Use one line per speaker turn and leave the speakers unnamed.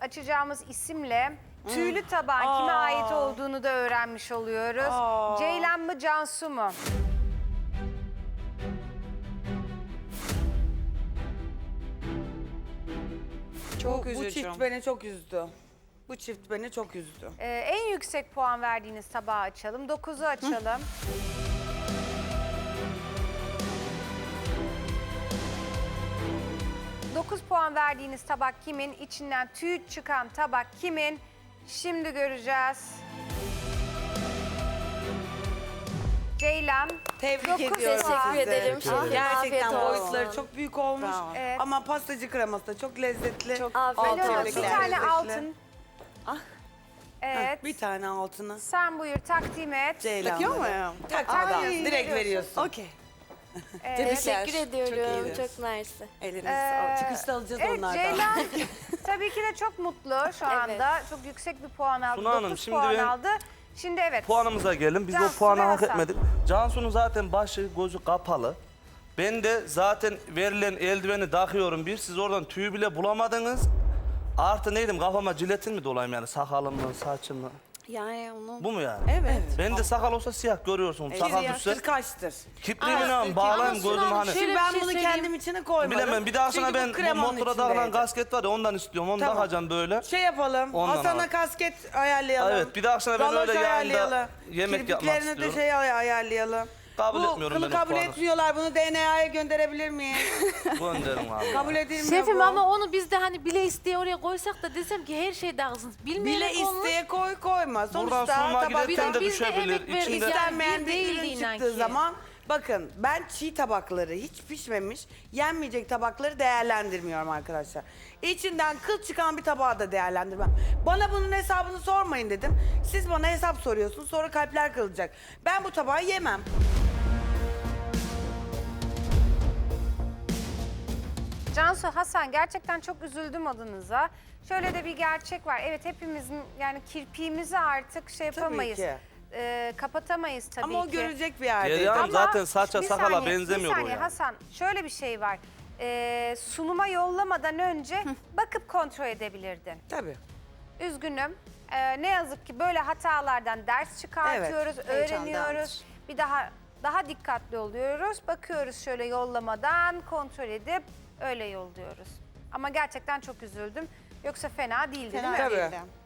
açacağımız isimle tüylü tabağın kime ait olduğunu da öğrenmiş oluyoruz. Ceylan mı, Cansu mu?
Bu çift beni çok üzdü. Bu çift beni çok üzdü.
En yüksek puan verdiğiniz tabağı açalım. 9'u açalım. Dokuz puan verdiğiniz tabak kimin? İçinden tüy çıkan tabak kimin? Şimdi göreceğiz. Ceylan.
Tebrik
Dokuz
ediyorum.
puan.
Teşekkür ederim.
Gerçekten
Afiyet olsun.
boyutları çok büyük olmuş.
Evet.
Ama pastacı kreması da çok lezzetli.
Çok afiyet
Alo,
olsun.
bir
Tebrikler.
tane
Lezzetli.
altın.
Ah.
Evet.
Bir tane altını.
Sen buyur takdim et.
Ceylan.
Takıyor muyum?
Takmadan.
Ay,
Direkt
veriyorsun.
veriyorsun.
Okey.
Teşekkür ediyorum.
iyidir.
Çok mersi.
Elinize sağlık. Çıkışta alacağız
Evet,
onlardan.
Ceylan tabii ki de çok mutlu şu anda. Çok yüksek bir puan aldı.
Suna Hanım,
9
şimdi
puan
ben-
aldı. Şimdi evet.
Puanımıza gelin. Biz
Cansu
o puanı
ve
hak
Hasan.
etmedik. Cansu'nun zaten başı gözü kapalı. Ben de zaten verilen eldiveni takıyorum bir. Siz oradan tüyü bile bulamadınız. Artı neydim, kafama jiletin mi dolayım yani, sakalım mı, saçım mı?
Yani onu...
Bu mu yani?
Evet.
Ben de sakal olsa siyah görüyorsunuz. Sakal düşse
Yaştır kaçtır.
kipriğimi ne bağlayayım gözümü hani.
Şimdi ben bunu kendim içine koymadım.
Bilemem, bir daha sonra
Çünkü bu
ben bu
kremanın
motora takılan
içindeydi.
kasket var ya, ondan istiyorum. Onu
Tamam.
takacağım böyle.
Şey yapalım,
Ondan
Hasan'a
al.
kasket ayarlayalım.
Evet, bir daha sonra ben
Galoş
öyle yayında
ayarlayalım.
yemek yapmak
Kirpiklerine
istiyorum.
de şey ayarlayalım.
Kabul
Bu
etmiyorum
kılı
ben o
kabul
puanı.
etmiyorlar. Bunu DNA'ya gönderebilir miyim?
Gönderin abi.
Kabul edilmiyor
Şefim
bu.
ama onu biz de hani bile isteye oraya koysak da desem ki her şey dağılsın.
Bile
Bilmeyerek olmuş.
isteye koyma. Sonuçta
Buradan sunma
tabak
giderken de
biz de
düşebilir.
emek verdik
İçinde...
yani.
istenmeyen bir
değildi
ürün
inan
çıktığı
ki.
zaman bakın ben çiğ tabakları hiç pişmemiş, yenmeyecek tabakları değerlendirmiyorum arkadaşlar. İçinden kıl çıkan bir tabağı da değerlendirmem. Bana bunun hesabını sormayın dedim. Siz bana hesap soruyorsunuz, sonra kalpler kırılacak. Ben bu tabağı yemem.
Cansu, Hasan, gerçekten çok üzüldüm adınıza. Şöyle de bir gerçek var. Evet, hepimizin yani kirpiğimizi artık şey yapamayız.
ki.
Kapatamayız tabii
Ama o
ki.
görecek bir yerde.
Derya Hanım
Ama
zaten saça
bir
sakala
saniye,
benzemiyor
bir
o
saniye
yani.
Hasan, şöyle bir şey var. Sunuma yollamadan önce bakıp kontrol edebilirdin.
Tabii.
Üzgünüm. Ne yazık ki böyle hatalardan ders çıkartıyoruz, öğreniyoruz. Bir daha dikkatli oluyoruz. Bakıyoruz şöyle yollamadan kontrol edip öyle yolluyoruz. Ama gerçekten çok üzüldüm. Yoksa fena değildi değil mi?
Tabii.